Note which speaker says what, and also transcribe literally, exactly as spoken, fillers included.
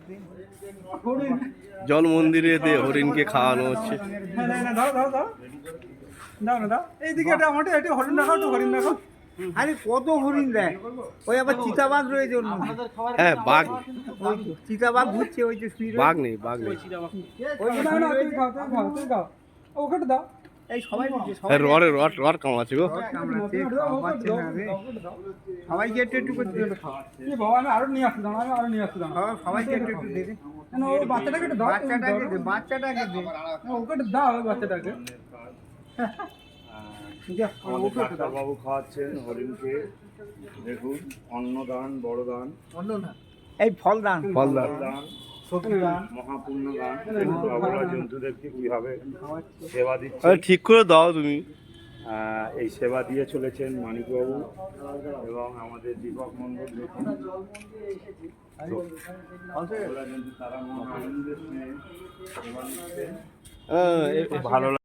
Speaker 1: জল মন্দিরে হরিণকে খাওয়ানো হচ্ছে।
Speaker 2: এইদিকে এটা আমাদের এটা হরিণ দেখাও, তো হরিণ দেখাও।
Speaker 3: আরে কত হরিণ দেয়, ওই আবার চিতাবাঘ রয়েছে ওর মধ্যে।
Speaker 1: হ্যাঁ বাঘ,
Speaker 3: ওই তো চিতাবাঘ ঘুরছে, ওই যে শুয়ে
Speaker 1: বাঘ নেই বাঘ নেই।
Speaker 3: ওই যে
Speaker 2: না না তুমি খাও, তুমি খাও, তুমি খাও, ওখানে দাও।
Speaker 3: এই সবাই ঘুরছে, সবাই
Speaker 1: হ্যাঁ রড রড রড কামাচ্ছে গো।
Speaker 3: কামড়াচ্ছে, খাওয়া পাচ্ছে না রে। সবাইকে একটু একটু করে দিলে খাওয়া।
Speaker 2: এই বাবা, আমি আরো নিয়ে আসছি, দাঁড়াও, আমি আরো নিয়ে আসছি, দাঁড়াও।
Speaker 3: সবাই সবাইকে একটু একটু দে দে।
Speaker 2: না, ওই বাচ্চাটাকে একটু দাও, তুমি
Speaker 3: বাচ্চাটাকে
Speaker 2: দাও।
Speaker 3: দে, বাচ্চাটাকে দে।
Speaker 2: না, ওকে একটু দাও, ওই বাচ্চাটাকে।
Speaker 4: আমাদের ডাক্তারবাবু খাওয়াচ্ছেন হরিণকে। দেখুন, অন্নদান, বড় দান,
Speaker 3: এই ফল দান,
Speaker 1: ফলদার
Speaker 4: দান,
Speaker 3: সবজি দান।
Speaker 4: মহাপূর্ণ দান। বাবুরা জন্তুদেরকে কিভাবে সেবা দিচ্ছে,
Speaker 1: আরে ঠিক করে দাও তুমি।
Speaker 4: আহ, এই সেবা দিয়ে চলেছেন মানিকবাবু এবং আমাদের দীপক মন্ডল। দেখুন, বাবুরা জন্তু তারা মহা আনন্দের সঙ্গে সেবা দিচ্ছে।
Speaker 1: হ্যাঁ, এ-
Speaker 4: ভালো